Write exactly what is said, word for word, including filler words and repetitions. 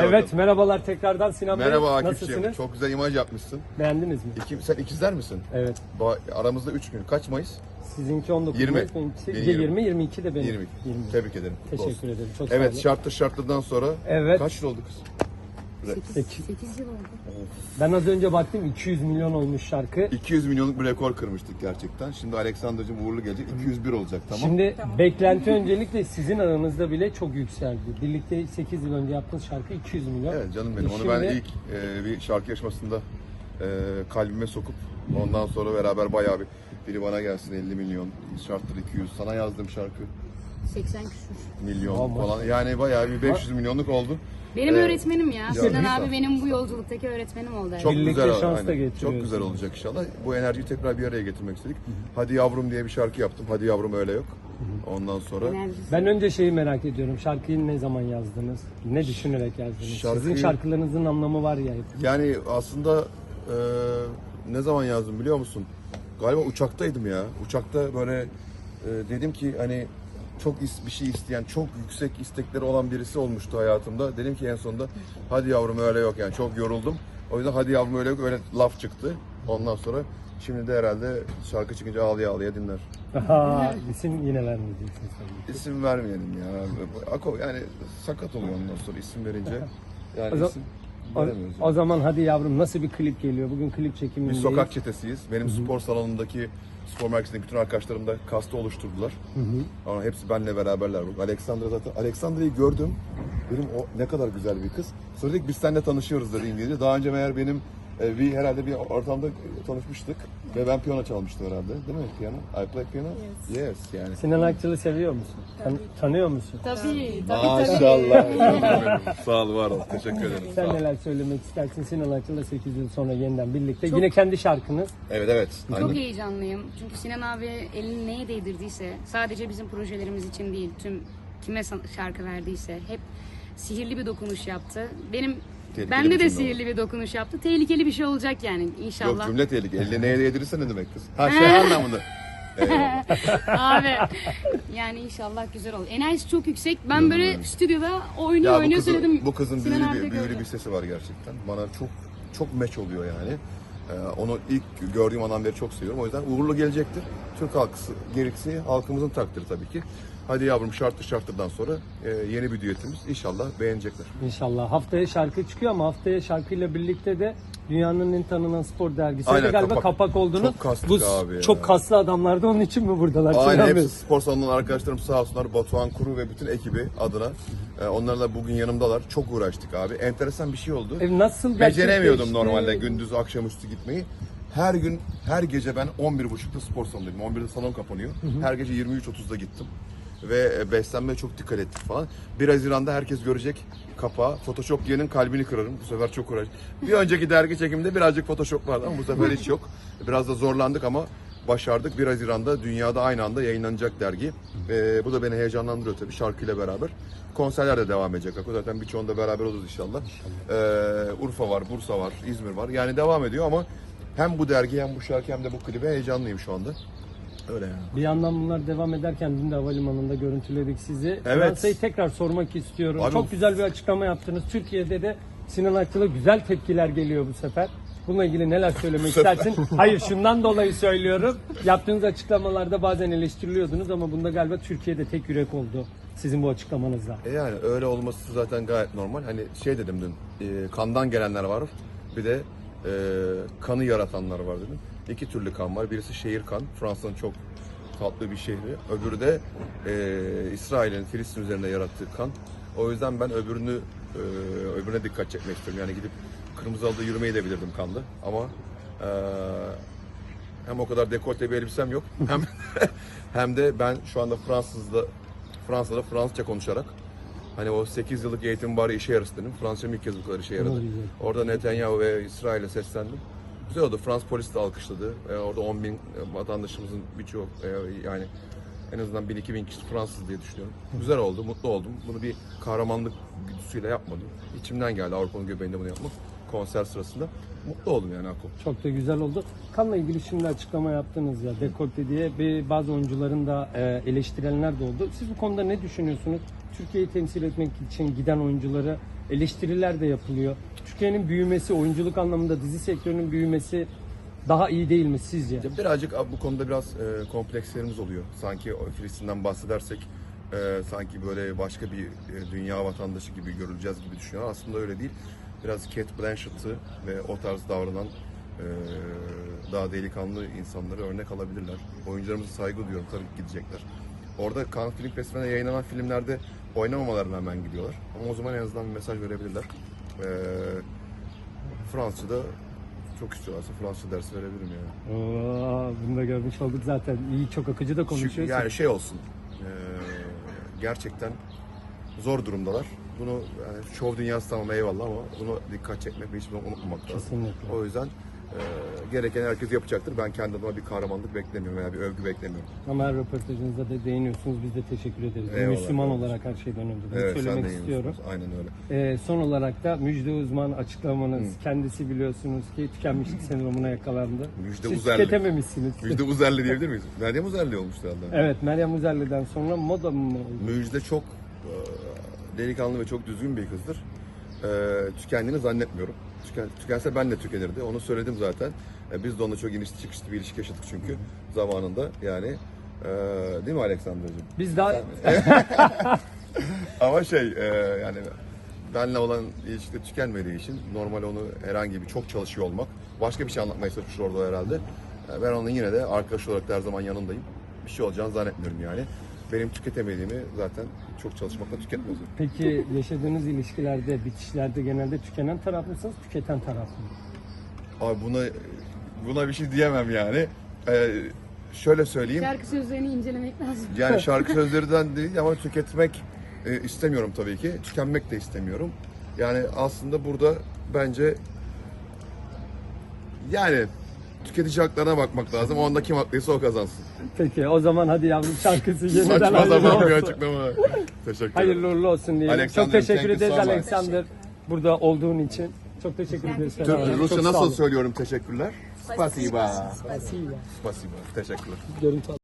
Evet, bakalım. merhabalar tekrardan Sinan Bey. Merhaba Akif'ciğim. Nasılsınız? Çok güzel imaj yapmışsın. Beğendiniz mi? İki, sen ikizler misin? Evet. Ba- Aramızda üç gün. Kaç Mayıs? Sizinki on dokuz yirmi. Mayıs, benimkisi Benim yirmi, yirmi iki de benim. yirmi. yirmi. Tebrik ederim. Kutlu Teşekkür olsun. ederim. Çok sağ Evet, olun. şartlı şartlıdan sonra Evet. kaç yıl oldu kız? Sekiz. sekiz yıl oldu. Ben az önce baktım iki yüz milyon olmuş şarkı. iki yüz milyonluk bir rekor kırmıştık gerçekten. Şimdi Alexander'cığım uğurlu gelecek. iki yüz bir olacak, tamam. Şimdi beklenti öncelikle sizin aranızda bile çok yükseldi. Birlikte sekiz yıl önce yaptığınız şarkı iki yüz milyon. Evet canım benim. Onu Şimdi- ben ilk e, bir şarkı yarışmasında e, kalbime sokup ondan sonra beraber bayağı bir biri bana gelsin elli milyon, şarttır iki yüz. Sana yazdığım şarkı seksen küsur. milyon Aman. falan. Yani bayağı bir beş yüz milyonluk oldu. Benim Evet. öğretmenim ya. Sinan güzel. abi benim bu yolculuktaki öğretmenim oldu. Çok Birlikte güzel, şans da aynen. Çok getiriyorsunuz. güzel olacak inşallah. Bu enerjiyi tekrar bir araya getirmek istedik. Hadi Yavrum diye bir şarkı yaptım. Hadi Yavrum öyle yok. Ondan sonra Enerjisi. Ben önce şeyi merak ediyorum. Şarkıyı ne zaman yazdınız? Ne düşünerek yazdınız? Şarkıyı- Sizin şarkılarınızın anlamı var ya hep. yani aslında e, ne zaman yazdım biliyor musun? Galiba uçaktaydım ya. Uçakta böyle e, dedim ki hani çok is- bir şey isteyen, çok yüksek istekleri olan birisi olmuştu hayatımda. Dedim ki en sonunda hadi yavrum öyle yok, yani çok yoruldum. O yüzden hadi yavrum öyle yok, öyle laf çıktı. Ondan sonra şimdi de herhalde şarkı çıkınca ağlaya ağlaya dinler. Aha, isim yine vermeyeceksiniz tabii. İsim vermeyelim ya. Ako yani sakat oluyor ondan sonra isim verince. Yani O zaman- isim O, veremiyoruz. o zaman hadi yavrum nasıl bir klip geliyor? Bugün klip Biz çekimindeyiz. sokak çetesiyiz. Benim spor salonundaki, spor merkezindeki bütün arkadaşlarım da kastı oluşturdular. Ama hepsi benimle beraberler. Bak Alexandra zaten. Alexandra'yı gördüm. Dedim o ne kadar güzel bir kız. Sonra dedik biz seninle tanışıyoruz dedi İngilizce. Daha önce meğer benim e, bir herhalde bir ortamda tanışmıştık. Ve ben piyano çalmıştım herhalde. Değil mi piyano? I play piano? Yes. Yes yani. Sinan Akçıl'ı seviyor musun? Tan- tanıyor musun? Tabii, tabii, Maşallah. Sağ ol, var ol. Teşekkür ederim. Sağ Sen ol. neler söylemek istersin? Sinan Akçıl'la sekiz yıl sonra yeniden birlikte. Yine kendi şarkınız. Evet evet. Çok Aynen. heyecanlıyım. Çünkü Sinan abi elini neye değdirdiyse, sadece bizim projelerimiz için değil, tüm kime san- şarkı verdiyse hep sihirli bir dokunuş yaptı. Benim Tehlikeli bende bir de cümle sihirli bir dokunuş yaptı. Tehlikeli bir şey olacak yani Yok inşallah. cümle tehlikeli. Elle neye değdirirse ne demek kız? Ha şey anlamında. Eyvallah. Abi yani inşallah güzel olur. Enerjisi çok yüksek. Ben böyle stüdyoda oynuyor Ya bu oynuyor kızın, söyledim. bu kızın Sinan büyülü abi de bir, büyülü gördü. bir sesi var gerçekten. Bana çok çok meç oluyor yani. Ee, onu ilk gördüğüm andan beri çok seviyorum. O yüzden uğurlu gelecektir. Türk halkısı, gerisi halkımızın takdiri tabii ki. Hadi yavrum şartlı şartlıdan sonra e, yeni bir düetimiz. İnşallah beğenecekler. İnşallah. Haftaya şarkı çıkıyor ama haftaya şarkıyla birlikte de dünyanın en tanınan spor dergisi Aynen, galiba kapak, kapak. olduğunu. Çok kastık Bu abi ya. çok kaslı adamlar da onun için mi buradalar? Aynen Sinan Bey? hepsi spor salonundan arkadaşlarım sağ olsunlar. Batuhan Kuru ve bütün ekibi adına. E, onlarla bugün yanımdalar. Çok uğraştık abi. Enteresan bir şey oldu. E, nasıl Beceremiyordum gerçekleşti? normalde gündüz akşamüstü gitmeyi. Her gün, her gece ben on bir buçukta spor salonundaydım. on birde salon kapanıyor. Her gece yirmi üç otuzda gittim. Ve beslenmeye çok dikkat ettik falan. bir Haziran'da herkes görecek kapağı. Photoshop diyenin kalbini kırarım. Bu sefer çok uğraştık. Bir önceki dergi çekiminde birazcık Photoshop vardı ama bu sefer hiç yok. Biraz da zorlandık ama başardık. bir Haziran'da dünyada aynı anda yayınlanacak dergi. Ee, bu da beni heyecanlandırıyor tabii şarkıyla beraber. Konserler de devam edecek. Zaten birçoğunda beraber oluruz inşallah. Ee, Urfa var, Bursa var, İzmir var. Yani devam ediyor ama hem bu dergi hem bu şarkı hem de bu klibe heyecanlıyım şu anda. Öyle yani. Bir yandan bunlar devam ederken dün de havalimanında görüntüledik sizi. Evet. Fransa'yı tekrar sormak istiyorum. Abi Çok bu- güzel bir açıklama yaptınız. Türkiye'de de Sinan Akçıl'a güzel tepkiler geliyor bu sefer. Bununla ilgili neler söylemek istersin? Hayır, şundan dolayı söylüyorum. Yaptığınız açıklamalarda bazen eleştiriliyordunuz ama bunda galiba Türkiye'de tek yürek oldu sizin bu açıklamanızla. E yani öyle olması zaten gayet normal. Hani şey dedim dün, e, kandan gelenler var, bir de e, kanı yaratanlar var dedim. İki türlü kan var. Birisi şehir kan, Fransa'nın çok tatlı bir şehri. Öbürü de e, İsrail'in Filistin üzerinde yarattığı kan. O yüzden ben öbürünü e, öbürüne dikkat çekmek istiyorum. Yani gidip kırmızı halıda yürümeyi de bilirdim kanlı. Ama e, hem o kadar dekolte bir elbisem yok, hem hem de ben şu anda Fransız'da Fransa'da Fransızca konuşarak hani o sekiz yıllık eğitim bari işe yarasın dedim. Fransızcam ilk kez bu kadar işe yaradı. Doğru, güzel. Orada Netanyahu ve İsrail'e seslendim. Güzel oldu. Fransız polisi de alkışladı. E, orada on bin vatandaşımızın birçoğu e, yani en azından bin iki bin kişi Fransız diye düşünüyorum. Güzel oldu, mutlu oldum. Bunu bir kahramanlık güdüsüyle yapmadım. İçimden geldi Avrupa'nın göbeğinde bunu yapmak. Konser sırasında. Mutlu oldum yani Ako. Çok da güzel oldu. Kanla ilgili şimdi açıklama yaptınız ya, dekolte diye bir bazı oyuncuların da e, eleştirenler de oldu. Siz bu konuda ne düşünüyorsunuz? Türkiye'yi temsil etmek için giden oyuncuları eleştiriler de yapılıyor. Türkiye'nin büyümesi, oyunculuk anlamında dizi sektörünün büyümesi daha iyi değil mi sizce? Ya birazcık abi bu konuda biraz e, komplekslerimiz oluyor. Sanki o Filistin'den bahsedersek e, sanki böyle başka bir e, dünya vatandaşı gibi görüleceğiz gibi düşünüyorlar. Aslında öyle değil. Biraz Cate Blanchett'ı ve o tarz davranan e, daha delikanlı insanları örnek alabilirler. Oyuncularımıza saygı duyuyorum. Tabii ki gidecekler. Orada Cannes Film Festivali'ne yayınlanan filmlerde oynamamalarına hemen gidiyorlar. Ama o zaman en azından bir mesaj verebilirler. E, Fransızca'da çok istiyorlarsa Fransızca dersi verebilirim yani. Oo, bunu da görmüş olduk zaten. İyi, çok akıcı da Çünkü konuşuyorsun. yani şey olsun, eee, gerçekten zor durumdalar. Bunu yani şov dünyası tamam eyvallah ama bunu dikkat çekmek ve hiçbir zaman unutmamak lazım. Kesinlikle. O yüzden eee gereken herkes yapacaktır. Ben kendi adıma bir kahramanlık beklemiyorum veya bir övgü beklemiyorum. Ama her röportajınızda da değiniyorsunuz. Biz de teşekkür ederiz. Eyvallah, Müslüman eyvallah. olarak her şeyden önce bunu Evet, sen söylemek de iyi istiyorum. musunuz? Aynen öyle. Ee, son olarak da Müjde Uzman açıklamanız. Kendisi biliyorsunuz ki tükenmişlik sendromuna yakalandı. Müjde Siz Uzerli. tüketememişsiniz. Müjde Uzerli diyebilir miyiz? Meryem Uzerli olmuştu herhalde. Evet, Meryem Uzerli'den sonra moda mı oldu? Müjde çok eee, delikanlı ve çok düzgün bir kızdır. Eee tükendiğini zannetmiyorum. Tüken, tükense ben de tükenirdi. Onu söyledim zaten. E, biz de onunla çok inişli çıkışlı bir ilişki yaşadık çünkü zamanında yani. Eee değil mi Aleksandra'cığım? Biz daha Ama şey eee, yani benle olan ilişkide tükenmediği için normal onu herhangi bir çok çalışıyor olmak. Başka bir şey anlatmaya çalışmış orada herhalde. E, ben onun yine de arkadaş olarak da her zaman yanındayım. Bir şey olacağını zannetmiyorum yani. Benim tüketemediğimi zaten çok çalışmakla tüketmiyorum. peki yaşadığınız ilişkilerde, bitişlerde genelde tükenen taraf mısınız, tüketen taraf mı? Abi buna buna bir şey diyemem yani. Ee, şöyle söyleyeyim. Şarkı sözlerini incelemek lazım. Yani şarkı sözlerinden değil ama tüketmek e, istemiyorum tabii ki. Tükenmek de istemiyorum. Yani aslında burada bence yani tüketici haklarına bakmak lazım. Onda kim haklıysa o kazansın. Peki o zaman hadi yavrum şarkısı yeniden Saçma hayırlı sapan bir olsun. açıklama. Teşekkür ederim. Hayırlı uğurlu olsun diyelim. Alexander, Çok teşekkür thank you ederiz so much. Alexander burada olduğun için. Çok teşekkür ederiz. teşekkür Selam. ederim. Rusça Çok sağ nasıl olun. söylüyorum teşekkürler? Spasiba. Spasiba. Spasiba. Teşekkürler. Görüntü